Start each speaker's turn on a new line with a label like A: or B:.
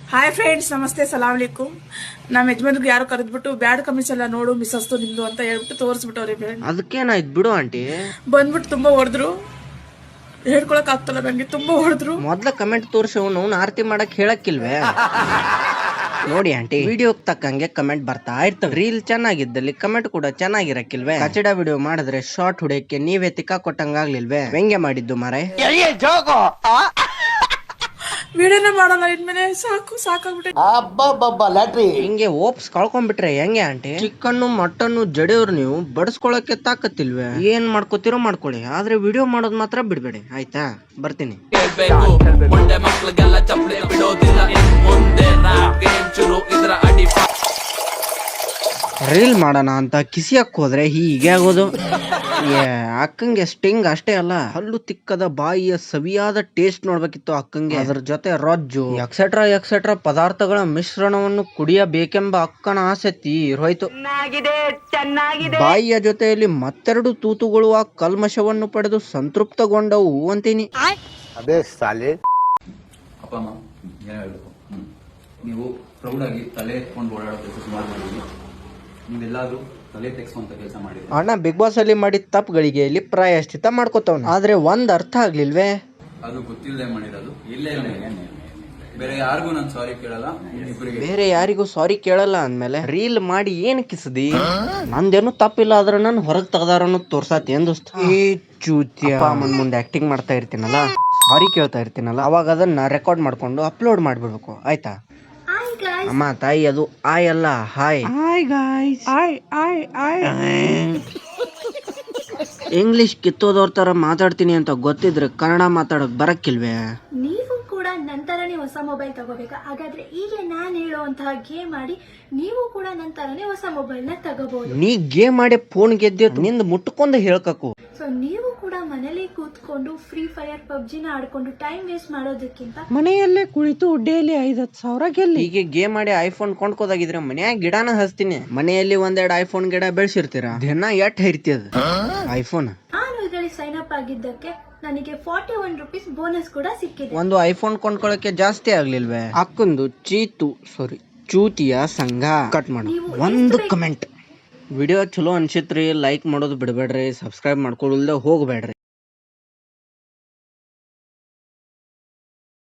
A: Hi friends, ನಮಸ್ತೆ, ಸಲಾಮ್ ಅಲೈಕುಮ್. ನಮ್ಮ ಯಜಮಾನ್ರಿಗೆ ಯಾರು ಕರೆದ್ಬಿಟ್ಟು ಬ್ಯಾಡ್ ಕಮಿಸ್ ಎಲ್ಲ ನೋಡು ಮಿಸ್ ಅಸ್ತು ನಿಂದು ಅಂತ ಹೇಳ್ಬಿಟ್ಟು ತೋರಿಸ್ಬಿಟ್ಟವ್ರಿ.
B: ಅದಕ್ಕೇನಾಯ್ತು ಬಿಡು ಆಂಟಿ.
A: ಬಂದ್ಬಿಟ್ಟು ತುಂಬಾ ಹೊಡೆದ್ರು, ಹೇಳ್ಕೊಳಕ್ ಆಗ್ತಲ್ಲ ನಂಗೆ, ತುಂಬಾ ಹೊಡೆದ್ರು.
B: ಮೊದ್ಲ ಕಮೆಂಟ್ ತೋರ್ಸವ್ ಆರತಿ ಮಾಡಕ್ ಹೇಳಕ್ಕಿಲ್ವೇ? ನೋಡಿ ಆಂಟಿ, ವಿಡಿಯೋಗ್ ತಕ್ಕಂಗೆ ಕಮೆಂಟ್ ಬರ್ತಾ ಇರ್ತವೆ. ರೀಲ್ ಚೆನ್ನಾಗಿದ್ದಲ್ಲಿ ಕಮೆಂಟ್ ಕೂಡ ಚೆನ್ನಾಗಿರಕ್ಕಿಲ್ವೇ? ಕಚಡ ವಿಡಿಯೋ ಮಾಡಿದ್ರೆ ಶಾರ್ಟ್ ಹೊಡೆಯಕ್ಕೆ ನೀವೇ ತಿಕ್ಕ ಕೊಟ್ಟಂಗಾಗ್ಲಿಲ್ವೇ? ವ್ಯಂಗ್ಯ ಮಾಡಿದ್ದು ಮಾರೆ.
A: ವಿಡಿಯೋನೇ ಮಾಡಲ್ಲ ಇನ್ಮೇಲೆ, ಸಾಕಾಗ್ಬಿಟ್ಟೆ.
B: ಹಿಂಗೆ ಓಪ್ಸ್ ಕಳ್ಕೊಂಡ್ಬಿಟ್ರೆ ಹೆಂಗೆ ಆಂಟಿ? ಚಿಕನ್ನು ಮಟನ್ನು ಜಡಿಯವ್ರು ನೀವು ಬಡಿಸ್ಕೊಳಕ್ಕೆ ತಾಕತ್ತಿಲ್ವೇ? ಏನ್ ಮಾಡ್ಕೋತಿರೋ ಮಾಡ್ಕೊಳ್ಳಿ, ಆದ್ರೆ ವಿಡಿಯೋ ಮಾಡೋದ್ ಮಾತ್ರ ಬಿಡ್ಬೇಡಿ ಆಯ್ತಾ? ಬರ್ತೀನಿ. ರೀಲ್ ಮಾಡೋಣ ಅಂತ ಕಿಸಿಯಕ್ ಹೋದ್ರೆ ಹೀಗೆ ಆಗೋದು. ಅಕ್ಕಂಗೆ ಸ್ಟಿಂಗ್ ಅಷ್ಟೇ ಅಲ್ಲ, ಹಲ್ಲು ತಿಕ್ಕದ ಬಾಯಿಯ ಸವಿಯಾದ ಟೇಸ್ಟ್ ನೋಡ್ಬೇಕಿತ್ತು ಅಕ್ಕಂಗೆ. ಅದ್ರ ಜೊತೆ ರೊಜ್ಜು ಎಕ್ಸೆಟ್ರಾ ಎಕ್ಸೆಟ್ರಾ ಪದಾರ್ಥಗಳ ಮಿಶ್ರಣವನ್ನು ಕುಡಿಯಬೇಕೆಂಬ ಅಕ್ಕನ ಆಸೆ ತೀರೋಯ್ತು. ಬಾಯಿಯ ಜೊತೆಯಲ್ಲಿ ಮತ್ತೆರಡು ತೂತುಗಳು ಆ ಕಲ್ಮಶವನ್ನು ಪಡೆದು ಸಂತೃಪ್ತಗೊಂಡವು ಅಂತೀನಿ.
C: ಅದೇ ಸಾಲೆ
D: ಅಪ್ಪ ಅಮ್ಮ ಏನೋ ಹೇಳ್ಬೇಕು. ನೀವು ಪ್ರೌಡ್ ಆಗಿ ತಲೆ ಎತ್ಕೊಂಡು ಓಡಾಡೋ ಕೆಲಸ ಸುಮಾರು ಮಾಡಿದ್ರಿ. ನೀವೆಲ್ಲಾದ್ರೂ ತಲೆ ತೆಗ್ಸುವಂತ ಕೆಲಸ ಮಾಡಿದ್ರಿ.
B: ಅಣ್ಣ ಬಿಗ್ ಬಾಸ್ ಅಲ್ಲಿ ಮಾಡಿದ ತಪ್ಪುಗಳಿಗೆ ಇಲ್ಲಿ ಪ್ರಾಯಶ್ಚಿತ್ತ ಮಾಡ್ಕೋತಾವ್. ಆದ್ರೆ ಒಂದ್ ಅರ್ಥ ಆಗ್ಲಿಲ್ವೇ?
D: ಅದು ಗೊತ್ತಿಲ್ಲದೆ ಮಾಡಿರೋದು. ಇಲ್ಲೇ ಬೇರೆ ಯಾರಿಗೂ ನಾನು ಸಾರಿ ಕೇಳಲ್ಲ.
B: ಬೇರೆ ಯಾರಿಗೂ ಸಾರಿ ಕೇಳಲ್ಲ ಅಂದ್ಮೇಲೆ ರೀಲ್ ಮಾಡಿ ಏನ್ ಕಿಸದಿ? ನಂದೇನು ತಪ್ಪಿಲ್ಲ, ಆದ್ರೆ ನಾನು ಹೊರಗ್ ತೆಗ್ದಾರ ಅನ್ನೋದು ತೋರ್ಸಾತಿ ದೋಸ್ತ. ಈ ಚೂತಿಯ ಮುಂದೆ ಆಕ್ಟಿಂಗ್ ಮಾಡ್ತಾ ಇರ್ತೀನಲ್ಲ, ಸಾರಿ ಕೇಳ್ತಾ ಇರ್ತೀನಲ್ಲ, ಅವಾಗ ಅದನ್ನ ರೆಕಾರ್ಡ್ ಮಾಡ್ಕೊಂಡು ಅಪ್ಲೋಡ್ ಮಾಡ್ಬಿಡ್ಬೇಕು ಆಯ್ತಾ? ಅಮ್ಮ ತಾಯಿ, ಅದು ಆಯ್ ಅಲ್ಲ ಹಾಯ್. ಇಂಗ್ಲಿಷ್ ಕಿತ್ತೋದವ್ರ ತರ ಮಾತಾಡ್ತೀನಿ ಅಂತ ಗೊತ್ತಿದ್ರೆ ಕನ್ನಡ ಮಾತಾಡಕ್ ಬರಕ್ಕಿಲ್ವೇ?
E: ನೀವು ಕೂಡ ನಂತರನೇ ಹೊಸ ಮೊಬೈಲ್ ತಗೋಬೇಕಾ? ಹಾಗಾದ್ರೆ ಈಗ ನಾನು ಹೇಳುವಂತಹ ಗೇಮ್ ಮಾಡಿ ನೀವು ಕೂಡ ನಂತರನೇ ಹೊಸ ಮೊಬೈಲ್ ನ ತಗೋಬಹುದು.
B: ನೀ ಗೇಮ್ ಮಾಡಿ ಫೋನ್ ಗೆದ್ದೆ ನಿಂದ ಮುಟ್ಕೊಂಡು ಹೇಳ್ಕಕು.
E: ಸೊ ನೀವು ಕೂಡ ಮನೇಲಿ ಕೂತ್ಕೊಂಡು ಫ್ರೀ ಫೈರ್ ಪಬ್ಜಿನ ಆಡ್ಕೊಂಡು ಟೈಮ್ ವೇಸ್ಟ್ ಮಾಡೋದಕ್ಕಿಂತ
B: ಮನೆಯಲ್ಲೇ ಕುಳಿತು ಡೈಲಿ 5,000 ಗೆಲ್ಲಿ. ಹೀಗೆ ಗೇಮ್ ಮಾಡಿ ಐಫೋನ್ ಕೊಂಡ್ಕೋದಾಗಿದ್ರೆ ಮನ್ಯಾಗ ಗಿಡನ ಹಚ್ತೀನಿ. ಮನೆಯಲ್ಲಿ ಒಂದೆರಡು ಐಫೋನ್ ಗಿಡ ಬೆಳೆಸಿರ್ತೀರ, ದಿನ ಎಟ್ ಹೈರ್ತಿಯದ ಐಫೋನ್.
E: ನಾನು ಇದರಲ್ಲಿ ಸೈನ್ ಅಪ್ ಆಗಿದ್ದಕ್ಕೆ ನನಗೆ 41 ರೂಪೀಸ್ ಬೋನಸ್ ಕೂಡ ಸಿಕ್ಕಿದೆ.
B: ಒಂದು ಐಫೋನ್ ಕೊಂಡ್ಕೊಳಕ್ಕೆ ಜಾಸ್ತಿ ಆಗ್ಲಿಲ್ವೇ? ಅಕ್ಕೊಂದು ಚೂತಿಯ ಸಂಘ. ಕಟ್ ಮಾಡು ಒಂದು ಕಮೆಂಟ್. ವಿಡಿಯೋ ಚಲೋ ಅನ್ಸಿತ್ರಿ ಲೈಕ್ ಮಾಡೋದು ಬಿಡಬೇಡ್ರಿ, ಸಬ್ಸ್ಕ್ರೈಬ್ ಮಾಡ್ಕೊಳ್ಳಲ್ದೆ ಹೋಗ್ಬೇಡ್ರಿ.